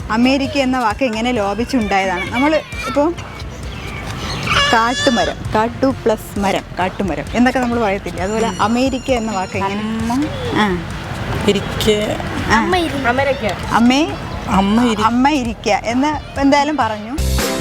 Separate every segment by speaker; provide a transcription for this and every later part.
Speaker 1: America എന്ന വാക്ക് എങ്ങനെ ലോപിച്ചുണ്ടായതാണ്? നമ്മൾ ഇപ്പോൾ കാട്ടുമരം, കാട്ടു പ്ലസ് മരം, കാട്ടുമരം എന്നൊക്കെ നമ്മൾ പറയത്തില്ലേ, അതുപോലെ അമേരിക്ക എന്ന വാക്ക് എങ്ങനെ? അമ്മ ഇരിക്ക എന്ന് എന്തായാലും പറഞ്ഞു.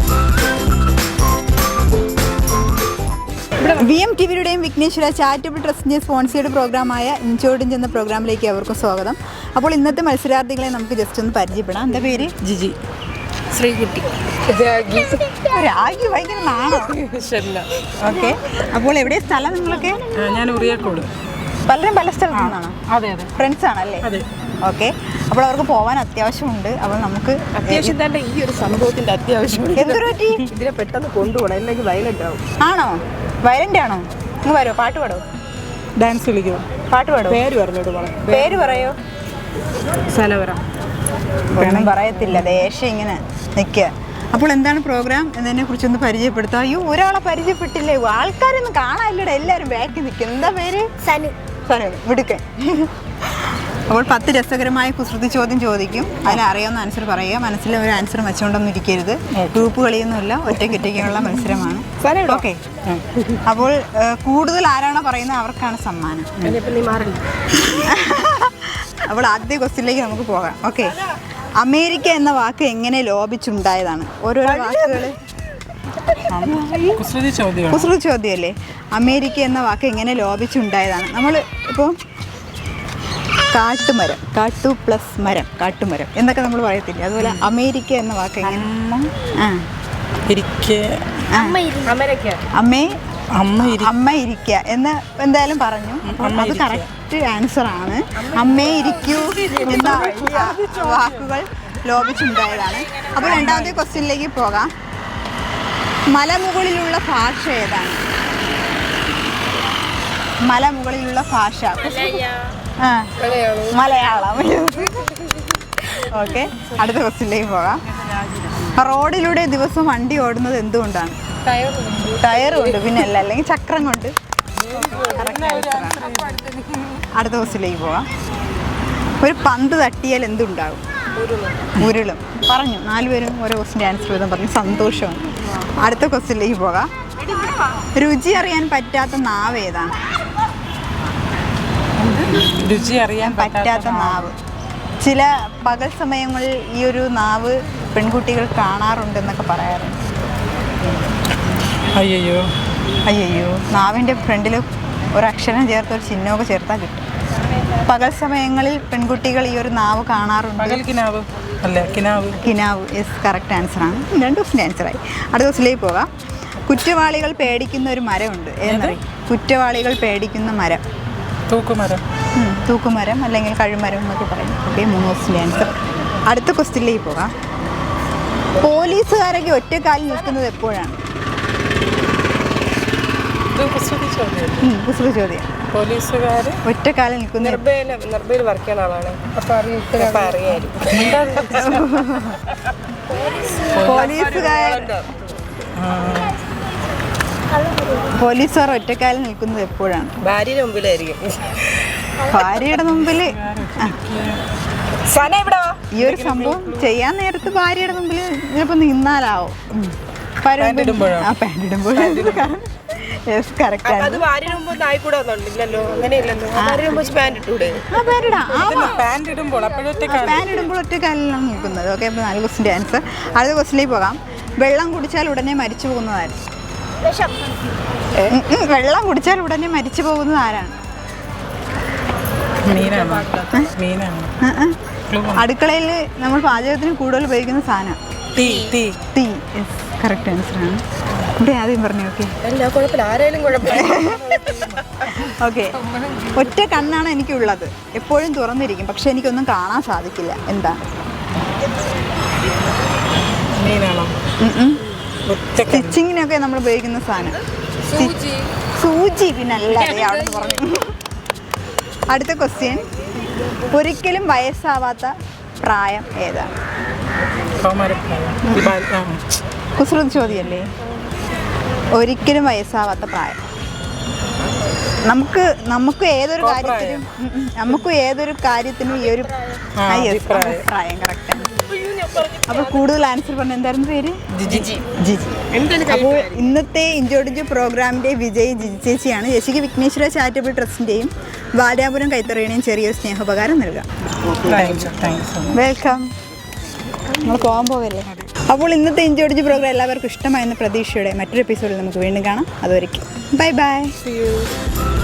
Speaker 1: VMTVയുടെയും വിഘ്നേശ്വര ചാരിറ്റബിൾ ട്രസ്റ്റിൻ്റെ സ്പോൺസേഡ് പ്രോഗ്രാമായ ഇൻചോഡിഞ്ച് എന്ന പ്രോഗ്രാമിലേക്ക് അവർക്കും സ്വാഗതം. അപ്പോൾ ഇന്നത്തെ മത്സരാർത്ഥികളെ നമുക്ക് ജസ്റ്റ് ഒന്ന് പരിചയപ്പെടാം. എൻ്റെ പേര്
Speaker 2: ജിജി. ശ്രീകുട്ടി.
Speaker 1: രാഗി ഭയങ്കര നാണോ? ഓക്കെ. അപ്പോൾ എവിടെ സ്ഥലം നിങ്ങളൊക്കെ?
Speaker 2: ഞാൻ ഉറിയാക്കോട്.
Speaker 1: പലരും പല സ്ഥലത്തു നിന്നാണോ?
Speaker 2: അതെ അതെ.
Speaker 1: ഫ്രണ്ട്സ് ആണല്ലേ?
Speaker 2: അതെ.
Speaker 1: ഓക്കെ. അപ്പോൾ അവർക്ക് പോകാൻ അത്യാവശ്യമുണ്ട്. അപ്പോൾ നമുക്ക്
Speaker 2: അത്യാവശ്യം തന്നെ ഈ ഒരു സംഭവത്തിന്റെ അത്യാവശ്യം.
Speaker 1: എന്തൊരു പറ്റി?
Speaker 2: ഇതിനെ പെട്ടെന്ന് കൊണ്ടുപോകണം, അല്ലെങ്കിൽ വയലന്റ് ആവും.
Speaker 1: ആണോ? വയലന്റ് ആണോ? നിങ്ങൾ വരുമോ? പാട്ട് പാടോ?
Speaker 2: ഡാൻസ് കളിക്കുമോ?
Speaker 1: പാട്ട് പാടോ?
Speaker 2: പേര് പറഞ്ഞോട് പോണം.
Speaker 1: പേര് പറയോ?
Speaker 2: സനവര.
Speaker 1: ഒന്നും പറയത്തില്ല, ദേഷ്യം ഇങ്ങനെ നിൽക്കുക. അപ്പോൾ എന്താണ് പ്രോഗ്രാം എന്നതിനെ കുറിച്ചൊന്ന് പരിചയപ്പെടുത്താം. അയ്യോ, ഒരാളെ പരിചയപ്പെട്ടില്ലേ? ആൾക്കാരൊന്നും കാണാനില്ലടെ, എല്ലാവരും ബാക്കി നിൽക്കും. എന്താ പേര്? സനു. സനു വിടുക്കൻ. അപ്പോൾ 10 രസകരമായ കുസൃതി ചോദ്യം ചോദിക്കും. അതിനറിയാവുന്ന ആൻസർ പറയുക. മനസ്സിൽ ഒരു ആൻസർ വെച്ചുകൊണ്ടൊന്നും ഇരിക്കരുത്. ഗ്രൂപ്പ് കളിയൊന്നുമില്ല, ഒറ്റയ്ക്കൊറ്റയ്ക്കുള്ള മത്സരമാണ്. ഓക്കെ. അപ്പോൾ കൂടുതൽ ആരാണോ പറയുന്നത് അവർക്കാണ് സമ്മാനം. അപ്പോൾ ആദ്യ ക്വസ്റ്റ്യനിലേക്ക് നമുക്ക് പോകാം. ഓക്കെ. അമേരിക്ക എന്ന വാക്ക് എങ്ങനെ ലോപിച്ചുണ്ടായതാണ്? ഓരോരോ വാക്കുകൾ. കുസൃതി ചോദ്യമല്ലേ? അമേരിക്ക എന്ന വാക്ക് എങ്ങനെ ലോപിച്ചുണ്ടായതാണ്? നമ്മൾ ഇപ്പോൾ കാട്ടുമരം, കാട്ടു പ്ലസ് മരം, കാട്ടുമരം എന്നൊക്കെ നമ്മൾ പറയത്തില്ലേ, അതുപോലെ അമേരിക്ക എന്ന വാക്ക് എങ്ങനെ? അമ്മ ഇരിക്ക എന്ന് എന്തായാലും പറഞ്ഞു. അത് കറക്റ്റ് ആൻസർ ആണ്. അമ്മേ ഇരിക്കൂ എന്ന വാക്കുകൾ ലോപിച്ചുണ്ടായതാണ്. അപ്പോൾ രണ്ടാമത്തെ ക്വസ്റ്റ്യനിലേക്ക് പോകാം. മലമുകളിലുള്ള ഭാഷ ഏതാണ്? മലമുകളിലുള്ള ഭാഷ മലയാളം. ഓക്കെ. അടുത്ത ക്വസ്റ്റ്യനിലേക്ക് പോകാം. റോഡിലൂടെ ദിവസം വണ്ടി ഓടുന്നത് എന്തുകൊണ്ടാണ്? ടയർ കൊണ്ട്, പിന്നെ അല്ല, അല്ലെങ്കിൽ ചക്രം കൊണ്ട്. അടുത്ത ക്വസ്റ്റ്യനിലേക്ക് പോകാം. ഒരു പന്ത് തട്ടിയാൽ എന്തുണ്ടാകും? ഉരുളും. പറഞ്ഞു. 4 പേരും ഓരോ ക്വസ്റ്റിൻ്റെ ആൻസർ ചെയ്താൽ പറഞ്ഞു. സന്തോഷമാണ്. അടുത്ത ക്വസ്റ്റ്യനിലേക്ക് പോകാം. രുചി അറിയാൻ പറ്റാത്ത നാവ് ഏതാണ്?
Speaker 2: രുചി അറിയാൻ
Speaker 1: പറ്റാത്ത നാവ്. ചില പകൽ സമയങ്ങളിൽ ഈ ഒരു നാവ് പെൺകുട്ടികൾ കാണാറുണ്ടെന്നൊക്കെ പറയാറുണ്ട്. അയ്യോ, നാവിൻ്റെ ഫ്രണ്ടിൽ ഒരക്ഷരം ചേർത്ത് ഒരു ചിഹ്നമൊക്കെ ചേർത്താൽ കിട്ടും. പകൽ സമയങ്ങളിൽ പെൺകുട്ടികൾ ഈ ഒരു നാവ് കാണാറുണ്ട്. കിനാവ്. യെസ്, കറക്റ്റ് ആൻസറാണ്. 2 ക്വസ്റ്റിൻ്റെ ആൻസറായി. അടുത്ത ക്വസ്റ്റിലേക്ക് പോകാം. കുറ്റവാളികൾ പേടിക്കുന്ന ഒരു മരമുണ്ട്. ഏതെന്നറിയും? കുറ്റവാളികൾ പേടിക്കുന്ന മരം. തൂക്കുമരം അല്ലെങ്കിൽ കഴുമരം എന്നൊക്കെ പറയും. ഓക്കെ, 3 ക്വസ്റ്റിൻ്റെ ആൻസർ. അടുത്ത ക്വസ്റ്റിലേക്ക് പോകാം. പോലീസുകാരൊക്കെ ഒറ്റക്കാലിൽ നിൽക്കുന്നത് എപ്പോഴാണ്? കുസൃതി ചോദ്യം.
Speaker 2: പോലീസുകാർ
Speaker 1: ഒറ്റക്കാലിൽ നിൽക്കുന്ന പോലീസുകാർ ഒറ്റക്കാലിൽ നിൽക്കുന്നത് എപ്പോഴാണ്?
Speaker 2: ഭാര്യയുടെ മുമ്പിലായിരിക്കും.
Speaker 1: ഭാര്യയുടെ മുമ്പിൽ. ഈ ഒരു സംഭവം ചെയ്യാൻ നേരത്ത് ഭാര്യയുടെ മുമ്പിൽ ചിലപ്പോൾ നിന്നാലാവും. പാൻറ്റിടുമ്പോൾ ഒറ്റക്കാലിലാണ് നിൽക്കുന്നത്. ഓക്കെ. അപ്പോൾ 4 ക്വസ്റ്റിൻ്റെ ആൻസർ. അടുത്ത ക്വസ്റ്റിലേക്ക് പോകാം. വെള്ളം കുടിച്ചാൽ ഉടനെ മരിച്ചു പോകുന്നത് ആര്? വെള്ളം കുടിച്ചാൽ ഉടനെ മരിച്ചു പോകുന്നത് ആരാണ്? അടുക്കളയിൽ നമ്മൾ പാചകത്തിന് കൂടുതൽ ഉപയോഗിക്കുന്ന സാധനം തീ. കറക്റ്റ് ആൻസറാണ്. ഇവിടെ ആദ്യം പറഞ്ഞു. ഓക്കെ. ഒറ്റ കണ്ണാണ് എനിക്കുള്ളത്, എപ്പോഴും തുറന്നിരിക്കും, പക്ഷെ എനിക്കൊന്നും കാണാൻ സാധിക്കില്ല. എന്താ? സ്റ്റിച്ചിങ്ങിനൊക്കെ നമ്മൾ ഉപയോഗിക്കുന്ന സാധനം. സൂചി. പിന്നെ അല്ലാതെ അവിടെ പറഞ്ഞു. അടുത്ത ക്വസ്റ്റ്യൻ. ഒരിക്കലും വയസ്സാവാത്ത പ്രായം ഏതാണ്? കുസൃതി ചോദ്യമല്ലേ? ഒരിക്കലും വയസ്സാവാത്ത പ്രായം. നമുക്ക് ഏതൊരു കാര്യത്തിനും ഈ ഒരു പ്രായം കറക്റ്റാണ്. അപ്പോൾ കൂടുതൽ ആൻസർ പറഞ്ഞ എന്തായിരുന്നു പേര്?
Speaker 2: ജിജി.
Speaker 1: ജിജി. അപ്പോൾ ഇന്നത്തെ ഇഞ്ചോടിഞ്ചു പ്രോഗ്രാമിൻ്റെ വിജയി ജിജി ചേച്ചിയാണ്. ചേച്ചിക്ക് വിഘ്നേശ്വര ചാരിറ്റബിൾ ട്രസ്റ്റിൻ്റെയും വാര്യാപുരം കൈത്തറിയുടെയും ചെറിയൊരു സ്നേഹോപകാരം നൽകാം. വെൽക്കം. നമ്മൾ കോംബോ അല്ലേ. അപ്പോൾ ഇന്നത്തെ ഇഞ്ചോടിഞ്ചു പ്രോഗ്രാം എല്ലാവർക്കും ഇഷ്ടമായെന്ന പ്രതീക്ഷയോടെ മറ്റൊരു എപ്പിസോഡിൽ നമുക്ക് വീണ്ടും കാണാം. അതുവരെയ്ക്കും ബൈ ബൈ.